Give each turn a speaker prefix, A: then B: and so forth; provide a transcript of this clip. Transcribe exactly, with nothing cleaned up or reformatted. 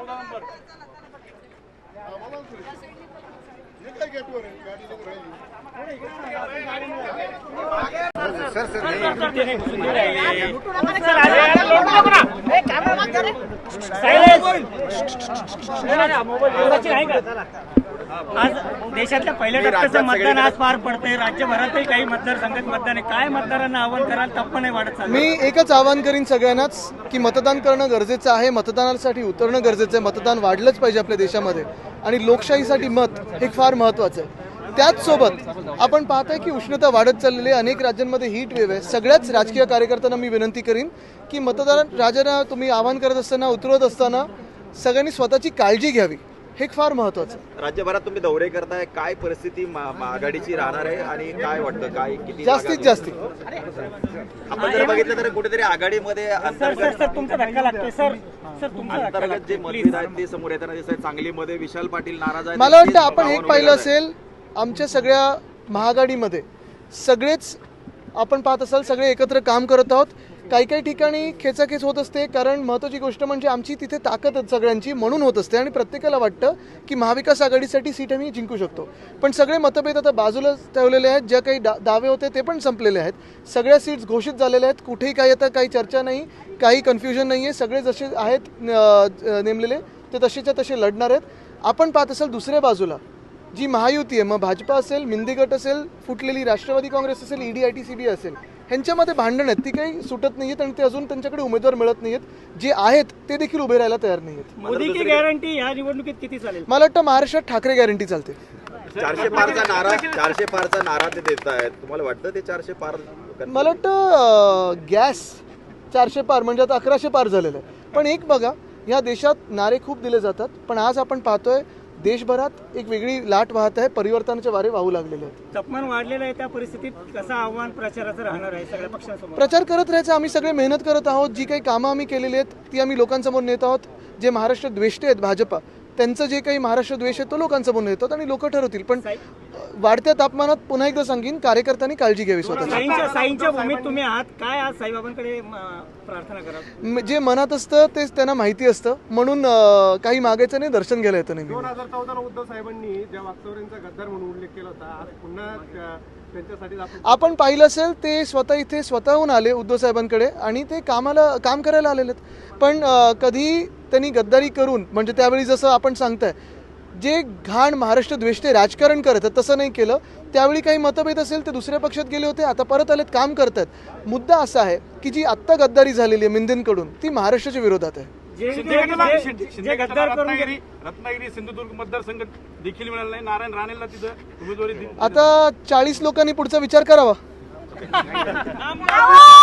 A: Sir sir
B: आज देशातल्या पहिल्या टप्प्याचं मतदान आज पार पडतंय. राज्यभरातही काही मतदारसंघात मतदान आहे. काय मतदारांना आव्हान कराल? टप्प नाही वाढत चाललं.
C: मी एकच आवाहन करीन सगळ्यांनाच की मतदान करणं गरजेचं आहे. मतदानासाठी उतरणं गरजेचं आहे. मतदान वाढलंच पाहिजे आपल्या देशामध्ये आणि लोकशाहीसाठी मत हे फार महत्त्वाचं आहे. त्याचसोबत आपण पाहताय की उष्णता वाढत चाललेली आहे. अनेक राज्यांमध्ये हीट वेव्ह आहे. सगळ्याच राजकीय कार्यकर्त्यांना मी विनंती करीन की मतदार राजांना तुम्ही आवाहन करत असताना उतरवत असताना सगळ्यांनी स्वतःची काळजी घ्यावी. हे फार महत्त्वाचं.
D: राज्यभरात तुम्ही दौरे करताय, काय परिस्थिती आघाडीची राहणार आहे आणि काय वाटतं काय किती
C: जास्तीत जास्त
D: आपण जर बघितलं तर कुठेतरी आघाडीमध्ये अंतर्गत
B: तुमचा धक्का लागतोय सर. सर तुमचा
D: अंतर्गत जे मतभेद आहेत ते समोर येताना दिसत आहेत. सांगलीमध्ये विशाल पाटील नाराज आहेत.
C: मला वाटतं आपण एक पाहिलं असेल आमच्या सगळ्या महाआघाडीमध्ये सगळेच आपण पाहत असाल सगळे एकत्र काम करत आहोत. काही काही ठिकाणी खेचाखेच होत असते कारण महत्त्वाची गोष्ट म्हणजे आमची तिथे ताकद सगळ्यांची म्हणून होत असते आणि प्रत्येकाला वाटतं की महाविकास आघाडीसाठी सीट आम्ही जिंकू शकतो. पण सगळे मतभेद आता बाजूला ठेवलेले आहेत. ज्या काही डा दावे होते ते पण संपलेले आहेत. सगळ्या सीट्स घोषित झालेल्या आहेत. कुठेही काही आता काही चर्चा नाही, काही कन्फ्युजन नाही आहे. सगळे जसे आहेत नेमलेले ते तसेच्या तसे लढणार आहेत. आपण पाहत असाल दुसऱ्या बाजूला जी महायुती आहे, मग भाजपा असेल, मिंदी गट असेल, फुटलेली राष्ट्रवादी काँग्रेस असेल, ED I T C B असेल, ह्यांच्यामध्ये भांडण आहेत. ती काही सुटत नाही आहेत आणि ते अजून त्यांच्याकडे उमेदवार मिळत नाही आहेत. जे आहेत ते देखील उभे राहायला तयार नाही आहेत.
B: मोदी की गॅरंटी या निवडणुकीत किती चालेल?
C: मला वाटतं महाराष्ट्रात ठाकरे गॅरंटी चालते.
D: चारशे पारचा नारा चारशे पारचा नारा ते देत आहेत. तुम्हाला वाटतं ते चारशे पार?
C: मला वाटतं गॅस चारशे पार म्हणजे आता अकराशे पार झालेलं आहे. पण एक बघा, ह्या देशात नारे खूप दिले जातात पण आज आपण पाहतोय देशभरात एक वेगळी लाट वाहत आहे. परिवर्तनाचे वारे वाहू लागलेले आहेत.
B: तापमान वाढलेलं आहे. त्या परिस्थितीत कसं आव्हान प्रचाराचं राहणार आहे सगळ्या पक्षांसमोर?
C: प्रचार करत राहायचं. आम्ही सगळे मेहनत करत आहोत. जी काही कामं आम्ही केलेली आहेत ती आम्ही लोकांसमोर नेत आहोत. जे महाराष्ट्र द्वेष्टे आहेत भाजपा, त्यांचं जे काही महाराष्ट्र द्वेष आहे तो लोकांसमोर नेतात आणि लोक ठरवतील. पण वाढत्या तापमानात पुन्हा एकदा सांगेन कार्यकर्त्यांनी काळजी घ्यावी स्वतःची.
B: साईंच्या साईंच्या भूमीत तुम्ही आहात. काय आज साईबाबांकडे प्रार्थना करा?
C: जे मनात असतं तेच त्यांना माहिती असतं म्हणून काही मागायचं नाही, दर्शन घ्यायला येतं. नाही
E: दोन हजार चौदा उद्धव साहेबांनी ज्या वाकचौऱ्यांचा गद्दार म्हणून उल्लेख केला होता, आज पुन्हा त्यांच्यासाठी
C: आपण पाहिलं असेल ते स्वतः इथे स्वतःहून आले उद्धव साहेबांकडे आणि ते कामाला काम करायला आलेले आहेत. पण कधी त्यांनी गद्दारी करून म्हणजे त्यावेळी जसं आपण सांगताय जे घाण महाराष्ट्र द्वेष्टे राजकारण करत आहेत तसं नाही केलं. त्यावेळी काही मतभेद असेल ते दुसऱ्या पक्षात गेले होते, आता परत आलेत, काम करतात. मुद्दा असा आहे की जी आत्ता गद्दारी झालेली आहे मिंदेंकडून ती महाराष्ट्राच्या विरोधात आहे.
E: रत्नागिरी सिंधुदुर्ग मतदारसंघ देखील मिळाला नाही. नारायण राणेला तिथं उमेदवारी.
C: आता चाळीस लोकांनी पुढचा विचार करावा.